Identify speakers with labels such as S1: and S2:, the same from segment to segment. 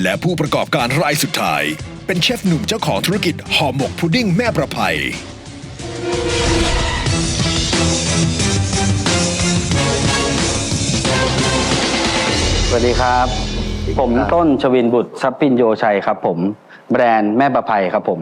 S1: และผู้ประกอบการรายสุดท้ายเป็นเชฟหนุ่มเจ้าของธุรกิจห่อหมกพุดดิ้งแม่ประภัย
S2: สวัสดีครับผมต้นชวินบุตรทรัพย์ปินโยชัยครับผมแบรนด์แม่ประภัยครับผม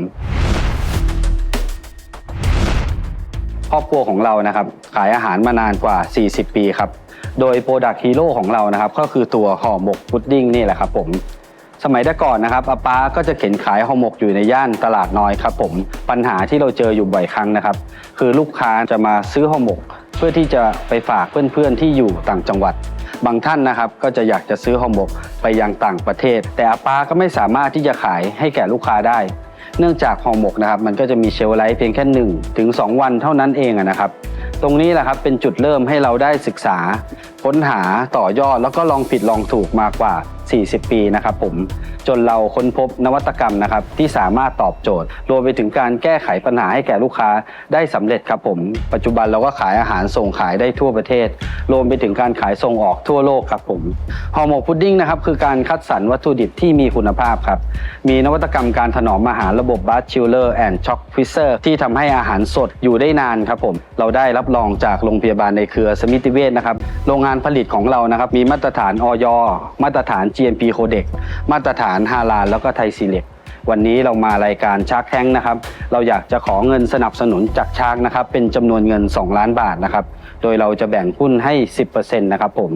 S2: ครอบครัวของเรานะครับขายอาหารมานานกว่า40ปีครับโดยโปรดักต์ฮีโร่ของเรานะครับก็คือตัวห่อหมกพุดดิ้งนี่แหละครับผมสมัยแต่ก่อนนะครับอาป้าก็จะเข็นขายห่อหมกอยู่ในย่านตลาดน้อยครับผมปัญหาที่เราเจออยู่บ่อยครั้งนะครับคือลูกค้าจะมาซื้อห่อหมกเพื่อที่จะไปฝากเพื่อนๆที่อยู่ต่างจังหวัดบางท่านนะครับก็จะอยากจะซื้อห่อหมกไปยังต่างประเทศแต่อาป้าก็ไม่สามารถที่จะขายให้แก่ลูกค้าได้เนื่องจากห่อหมกนะครับมันก็จะมีเชลฟ์ไลฟ์เพียงแค่1 ถึง 2 วันเท่านั้นเองนะครับตรงนี้แหละครับเป็นจุดเริ่มให้เราได้ศึกษาค้นหาต่อยอดแล้วก็ลองผิดลองถูกมากว่า40 ปีนะครับผมจนเราค้นพบนวัตกรรมนะครับที่สามารถตอบโจทย์รวมไปถึงการแก้ไขปัญหาให้แก่ลูกค้าได้สำเร็จครับผมปัจจุบันเราก็ขายอาหารส่งขายได้ทั่วประเทศรวมไปถึงการขายส่งออกทั่วโลกครับผมห่อหมกพุดดิ้งนะครับคือการคัดสรรวัตถุดิบที่มีคุณภาพครับมีนวัตกรรมการถนอมอาหารระบบบัสชิลเลอร์แอนด์ช็อคฟิเซอร์ที่ทำให้อาหารสดอยู่ได้นานครับผมเราได้รับรองจากโรงพยาบาลในเครือสมิติเวชนะครับโรงงานผลิตของเรานะครับมีมาตรฐานอย.มาตรฐาน GMP โคเด็กมาตรฐานฮาลาลแล้วก็ไทยซีเล็กวันนี้เรามารายการชาร์กแทงค์นะครับเราอยากจะขอเงินสนับสนุนจากชาร์กนะครับเป็นจำนวนเงิน2 ล้านบาทนะครับโดยเราจะแบ่งหุ้นให้ 10% นะครับผม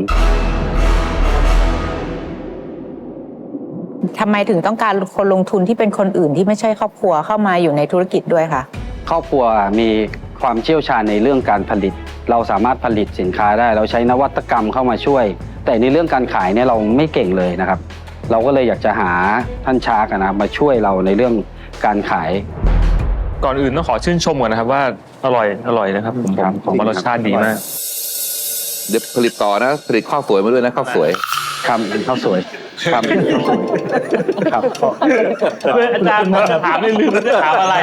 S3: ทำไมถึงต้องการคนลงทุนที่เป็นคนอื่นที่ไม่ใช่ครอบครัวเข้ามาอยู่ในธุรกิจด้วยคะ
S2: ครอบครัวมีความเชี่ยวชาญในเรื่องการผลิตเราสามารถผลิตสินค้าได้เราใช้นวัตกรรมเข้ามาช่วยแต่ในเรื่องการขายเนี่ยเราไม่เก่งเลยนะครับเราก็เลยอยากจะหาท่านชาร์กนะมาช่วยเราในเรื่องการขาย
S4: ก่อนอื่นต้องขอชื่นชมก่อนนะครับว่าอร่อยนะครับผมว่ารสชาติดีมาก
S5: เดี๋ยวผลิตต่อนะผลิตข้าวสวยมาด้วยนะข้าวสวย
S2: ครับเป็นข้าวสวยครับครับ
S4: เพื่ออาจารย์ถามไม่ลืมจะถามอะไร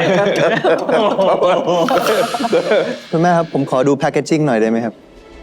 S6: คุณแม่ครับผมขอดูแพคเกจจิ้งหน่อยได้ไหมครับ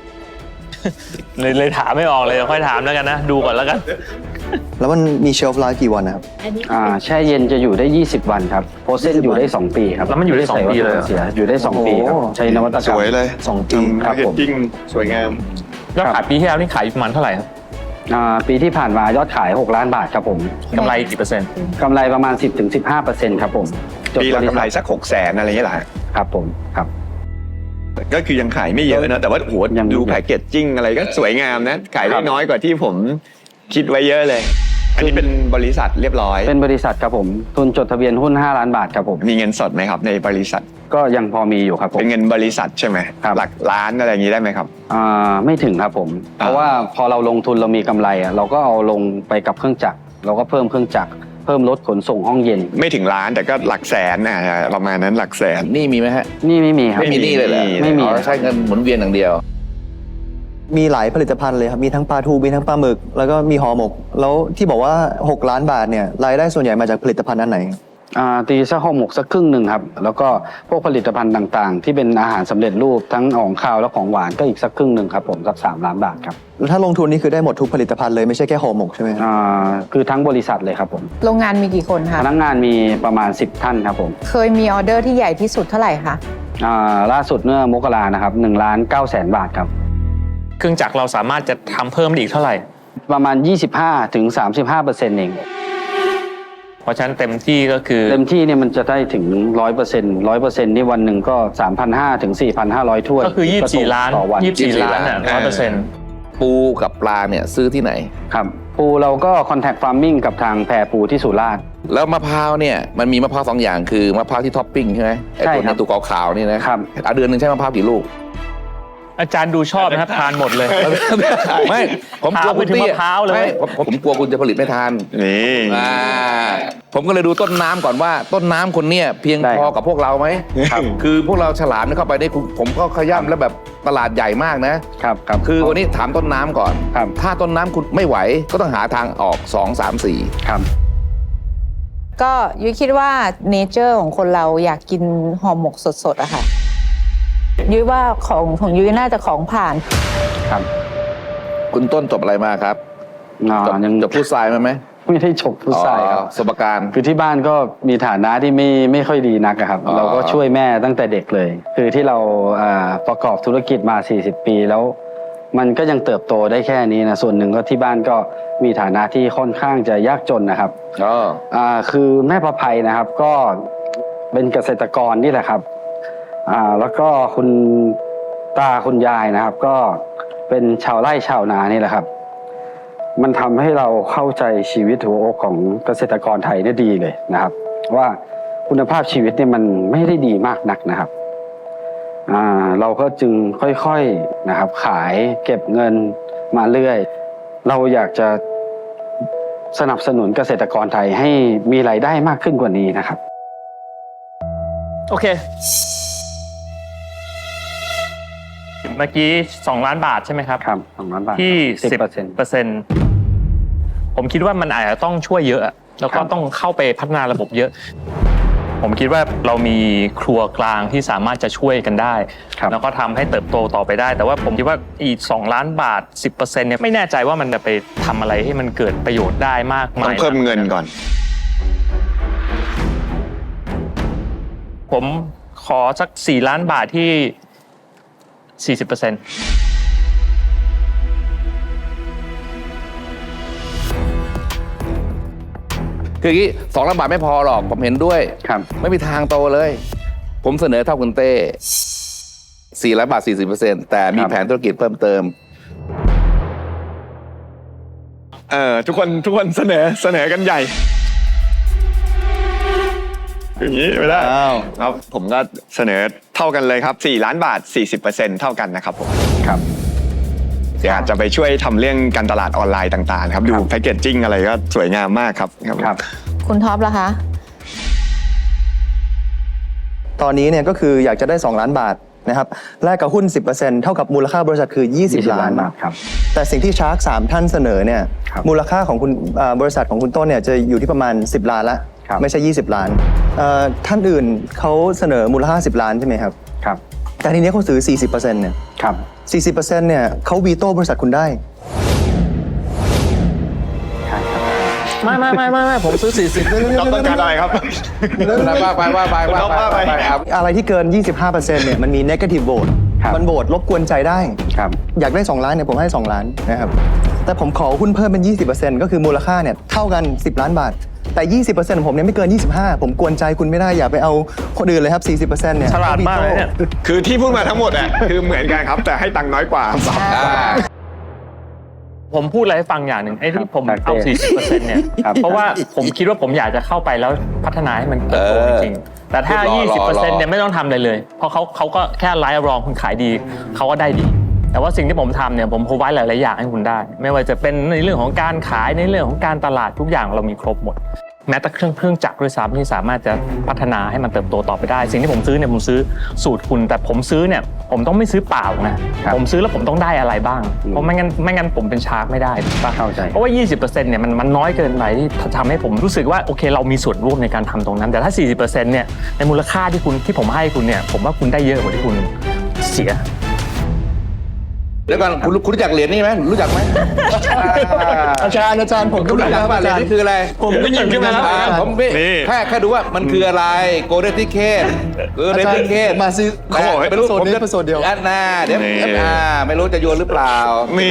S4: เลยถามไม่ออกเลยค่อยถามแล้วกันนะดูก่อนแล้วกัน
S6: แล้วมันมีเชลฟ์ไลฟ์กี่วันนะครับ
S2: แช่เย็นจะอยู่ได้20 วันครับโปรเซสอยู่ได้2 ปีครับ
S4: แล้วมันอยู่ได้2 ปีเลย
S2: อยู่ได้2 ปีครับใช้นวัตกรรม
S6: สวยเลย2 ปี
S2: ครับผม
S6: สวยงาม
S4: ยอดขายปีที่แล้วนี่ขายประมาณเท่าไหร่ครับ
S2: ปีที่ผ่านมายอดขาย6 ล้านบาทครับผม
S4: กำไรกี่เปอร์เซ็นต์
S2: กำไรประมาณ 10-15% ครับผม
S7: ปีละกำไรสัก600,000อะไรอย่างเงี้ยแหละ
S2: ครับผมครับ
S7: ก็คือยังขายไม่เยอะนะแต่ว่าโหดูแพคเกจจิ้งอะไรก็สวยงามนะขายได้น้อยกว่าที่ผมคิดไว้เยอะเลยอันนี้เป็นบริษัทเรียบร้อย
S2: เป็นบริษัทครับผมทุนจดทะเบียนหุ้น5 ล้านบาทครับผม
S7: มีเงินสดไหมครับในบริษัท
S2: ก็ยังพอมีอยู่ครับผม
S7: เป็นเงินบริษัทใช่ไหมหลักล้านอะไรอย่างนี้ได้ไหมครับ
S2: ไม่ถึงครับผมเพราะว่าพอเราลงทุนเรามีกำไรเราก็เอาลงไปกับเครื่องจักรเราก็เพิ่มเครื่องจักรเพิ่มรถขนส่งห้องเย็น
S7: ไม่ถึงล้านแต่ก็หลักแสนนะประมาณนั้นหลักแสน
S5: นี่มีไหมฮะ
S2: นี่ไม่มีครับ
S5: ไม่มีนี่เลยเหรอ
S2: ไม่มี
S5: ใช้เงินหมุนเวียนอย่างเดียว
S6: มีหลายผลิตภัณฑ์เลยครับมีทั้งปลาทูมีทั้งปลาหมึกแล้วก็มีห่อหมกแล้วที่บอกว่า6 ล้านบาทเนี่ยรายได้ส่วนใหญ่มาจากผลิตภัณฑ์อันไหน
S2: ตีสักห่อหมกสักครึ่งหนึ่งครับแล้วก็พวกผลิตภัณฑ์ต่างๆที่เป็นอาหารสำเร็จรูปทั้งของข้าวและของหวานก็อีกสักครึ่งหนึ่งครับผมสัก3 ล้านบาทครับ
S6: แล้วถ้าลงทุนนี่คือได้หมดทุกผลิตภัณฑ์เลยไม่ใช่แค่ห่อหมกใช่ไหม
S2: คือทั้งบริษัทเลยครับผม
S3: โรงงานมีกี่คนคะ
S2: พนักงานมีประมาณ10 ท่านครับผม
S3: เคยมีออเดอร์ที่ใหญ่ที่สุดเท่าไหร่คะ
S2: ล่าสุดเมื่อมกรานะครับ1,900,000 บาทครับ
S4: เครื่องจักรเราสามารถจะทำเพิ่มอีกเท่าไหร่
S2: ประมาณ 25-35% เอง
S4: เพราะฉะนั้นเต็มที่ก็คือ
S2: เต็มที่เนี่ยมันจะได้ถึง 100% นี่วันหนึ่งก็ 3,500 ถึง 4,500 ถ้วย
S4: ก็คือ24 ล้าน24 ล้านอ่ะ 100%
S5: ปูกับปลาเนี่ยซื้อที่ไหน
S2: ครับปูเราก็คอนแทคฟาร์มมิ่งกับทางแพรปูที่สุราษฎร์
S5: แล้วมะพร้าวเนี่ยมันมีมะพร้าว2 อย่างคือมะพร้าวที่ท็อปปิ้งใช่ไหม
S2: ใช่
S5: ครับตัวขาวๆนี่นะครับเดือนนึงใช้มะพร้าวกี่ลูก
S4: อาจารย์ดูชอบนะครับทานหมดเลย
S5: ไม่ผมกลัวคุณ
S4: มะพร้าวเลย
S5: ผมกลัวคุณจะผลิตไม่ทาน
S7: นี่
S5: ผมก็เลยดูต้นน้ำก่อนว่าต้นน้ำคนเนี้ยเพียงพอกับพวกเราไหมคือพวกเราฉลามเข้าไปได้ผมก็ขย่ำแล้วแบบตลาดใหญ่มาก
S2: นะครับ
S5: คือวันนี้ถามต้นน้ำก่อนถ้าต้นน้ำคุณไม่ไหวก็ต้องหาทางออก2 3 4
S2: ครับ
S3: ก็ยุ้ยคิดว่าเนเจอร์ของคนเราอยากกินห่อหมกสดๆอะค่ะยุ้ยว่าของยุ้ยน่าจะของผ่าน
S2: ครับ
S5: คุณต้นจบอะไรมาครับ
S2: ยัง
S5: จบฟู้ดไซน์มาไหม
S2: ไม่ได้ฉกฟุตซายครับ
S5: สมการ
S2: คือที่บ้านก็มีฐานะที่ไม่ค่อยดีนักอะครับ
S5: อ๋อ
S2: เราก็ช่วยแม่ตั้งแต่เด็กเลย คือที่เราประกอบธุรกิจมา 40 ปีแล้ว มันก็ยังเติบโตได้แค่นี้นะส่วนหนึ่งก็ที่บ้านก็มีฐานะที่ค่อนข้างจะยากจนนะครับ คือแม่ประภัยนะครับก็เป็นเกษตรกรนี่แหละครับแล้วก็คุณตาคุณยายนะครับ ก็เป็นชาวไร่ชาวนานี่แหละครับ มันทำให้เราเข้าใจชีวิตหัวอกของเกษตรกรไทยได้ดีเลยนะครับ ว่าคุณภาพชีวิตเนี่ยมันไม่ได้ดีมากนักนะครับเราก็จึงค่อยๆนะครับขายเก็บเงินมาเรื่อยเราอยากจะสนับสนุนเกษตรกรไทยให้มีรายได้มากขึ้นกว่านี้นะครับ
S4: โอเค เมื่อกี้2 ล้านบาทใช่ไหมครับ
S2: ครับ2 ล้านบาท
S4: ที่
S2: 10%
S4: ผมคิดว่ามันอาจจะต้องช่วยเยอะแล้วก็ต้องเข้าไปพัฒนาระบบเยอะ ผมคิดว่าเรามีครัวกลางที่สามารถจะช่วยกันได้ แล้วก็ทำให้เติบโตต่อไปได้ แต่ว่าผมคิดว่าอีก2 ล้านบาท 10% เนี่ยไม่แน่ใจว่ามันจะไปทำอะไรให้มันเกิดประโยชน์ได้มากมาย
S7: ต้องเพิ่มเงินก่อน
S4: ผมขอสัก4 ล้านบาทที่ 40%
S5: คืออย่างนี้2 ล้านบาทไม่พอหรอกผมเห็นด้วย
S2: ครับ
S5: ไม่มีทางโตเลย ผมเสนอเท่าคุณเต้4 ล้านบาท 40%แต่มีแผนธุรกิจเพิ่มเติม
S7: ทุกคนเสนอกันใหญ่ อย่างนี้ไม่ได้
S6: อ้าว
S7: ครับผมก็เสนอเท่ากันเลยครับ4 ล้านบาท 40% เท่ากันนะครับผม
S2: ครับ
S7: เดี๋ยวอาจจะไปช่วยทำเรื่องการตลาดออนไลน์ต่างๆครับดูแพคเกจจิ้งอะไรก็สวยงามมากครับ
S2: ครับ
S3: คุณท็อปล่ะคะ
S6: ตอนนี้เนี่ยก็คืออยากจะได้ 2 ล้านบาทนะครับแลกกับหุ้น 10% เท่ากับมูลค่าบริษัทคือ 20 ล้าน
S2: บาทครับ
S6: แต่สิ่งที่ชาร์ก3ท่านเสนอเนี่ย
S2: ครับ
S6: มูลค่าของคุณบริษัทของคุณต้นเนี่ยจะอยู่ที่ประมาณ10 ล้านละ
S2: ครับ
S6: ไม่ใช่ 20 ล้านท่านอื่นเขาเสนอมูลค่า10 ล้านใช่ไหมครับ
S2: ครับ
S6: แต่ทีนี้เขาซื้อ 40%เนี่ย
S2: ครับ
S6: 40%เนี่ยเขาวีโต้บริษัทคุณได้
S4: ไม่ผมซื้อ 40
S7: ต้องการอะไรครับ
S5: ว่าไป
S6: อะไรที่เกิน 25%เนี่ยมันมี negative vote
S2: ครับ
S6: มันโหวตรบกวนใจได้
S2: ครับ
S6: อยากได้ 2 ล้านเนี่ยผมให้ 2 ล้านนะครับ แต่ผมขอหุ้นเพิ่มเป็น 20%ก็คือมูลค่าเนี่ยเท่ากัน 10 ล้านบาท แต่ 20%ของผมเนี่ยไม่เกิน 25 ผมกวนใจคุณไม่ได้อย่าไปเอาคนอื่นเลยครับ 40%เนี่ย
S4: ฉลาดมากเลยเนี่ย
S7: คือที่พูดมาทั้งหมดอ่ะคือเหมือนกันครับ แต่ให้ตังค์น้อยกว่า
S4: ผมพูดอะไรให้ฟังอย่างหนึ่งไอ้ที่ผมเอา 40% เนี่ย
S2: ครับ
S4: เพราะว่าผมคิดว่าผมอยากจะเข้าไปแล้วพัฒนาให้มันเติบโตจริงๆ แต่ถ้า 20% เนี่ยไม่ต้องทำอะไรเลย เพราะเขาก็แค่ไลฟ์รองคุณขายดีเขาก็ได้ดี แต่ว่าสิ่งที่ผมทำเนี่ยผมพรอไว้หลายๆอย่างให้คุณได้ ไม่ว่าจะเป็นในเรื่องของการขายในเรื่องของการตลาดทุกอย่างเรามีครบหมด แม้แต่เครื่องจักรด้วยซ้ำที่สามารถจะพัฒนาให้มันเติบโตต่อไปได้ สิ่งที่ผมซื้อเนี่ยผมซื้อสูตรคุณ แต่ผมซื้อเนี่ยผมต้องไม่ซื้อเปล่านะครับ ผมซื้อแล้วผมต้องได้อะไรบ้างเพราะไม่งั้นผมเป็นชาร์กไม่ได้ถูกปะ
S2: เข้าใจ
S4: เพราะว่า 20% เนี่ยมันน้อยเกินไปที่ทำให้ผมรู้สึกว่าโอเคเรามีส่วนร่วมในการทำตรงนั้น แต่ถ้า 40% เนี่ยในมูลค่าที่ผมให้คุณเนี่ยผมว่าคุณได้เยอะกว่าที่คุณเสีย
S5: เดี๋ยวก่อนคุณรู้จักเหรียญนี่ไหมรู้จักไหม
S6: อาจารย์ผมก็
S5: รู้
S6: รู้
S5: จัก
S6: นะ
S5: ว่าเหรียญนี่คืออะไร
S6: ผมก็ยินขึ้นมาแล้ว
S5: ผมแค่ดูว่ามันคืออะไรโกลเด้นทิเคท
S6: มาซื้อ
S5: เขาบอกไม่รู้ผมจะ
S6: เป็นโซนเดียว
S5: อันน่าเดี๋ยวไม่รู้จะโยนหรือเปล่า
S7: นี่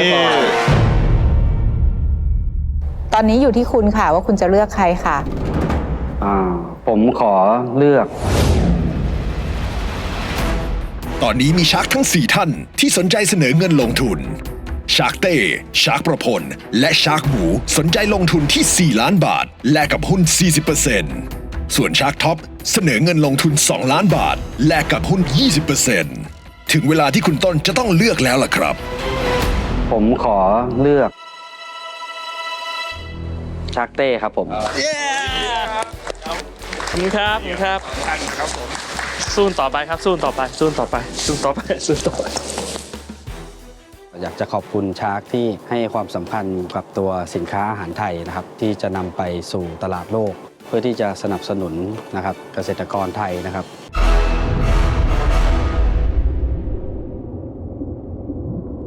S3: ตอนนี้อยู่ที่คุณค่ะว่าคุณจะเลือกใครค่ะ
S2: ผมขอเลือก
S1: ตอนนี้มีชาร์กทั้ง 4 ท่านที่สนใจเสนอเงินลงทุน ชาร์กเต้ ชาร์กประพล และชาร์กหมูสนใจลงทุนที่ 4 ล้านบาท แลกกับหุ้น 40% ส่วนชาร์กท็อปเสนอเงินลงทุน 2 ล้านบาท แลกกับหุ้น 20% ถึงเวลาที่คุณต้นจะต้องเลือกแล้วล่ะครับ
S2: ผมขอเลือกชาร์กเต้ครับผม
S4: ขอบคุณครับสู้ต่อไปครับสู้ต่อไป
S2: อยากจะขอบคุณชาร์กที่ให้ความสำคัญกับตัวสินค้าอาหารไทยนะครับ ที่จะนำไปสู่ตลาดโลก เพื่อที่จะสนับสนุนนะครับเกษตรกรไทยนะครับ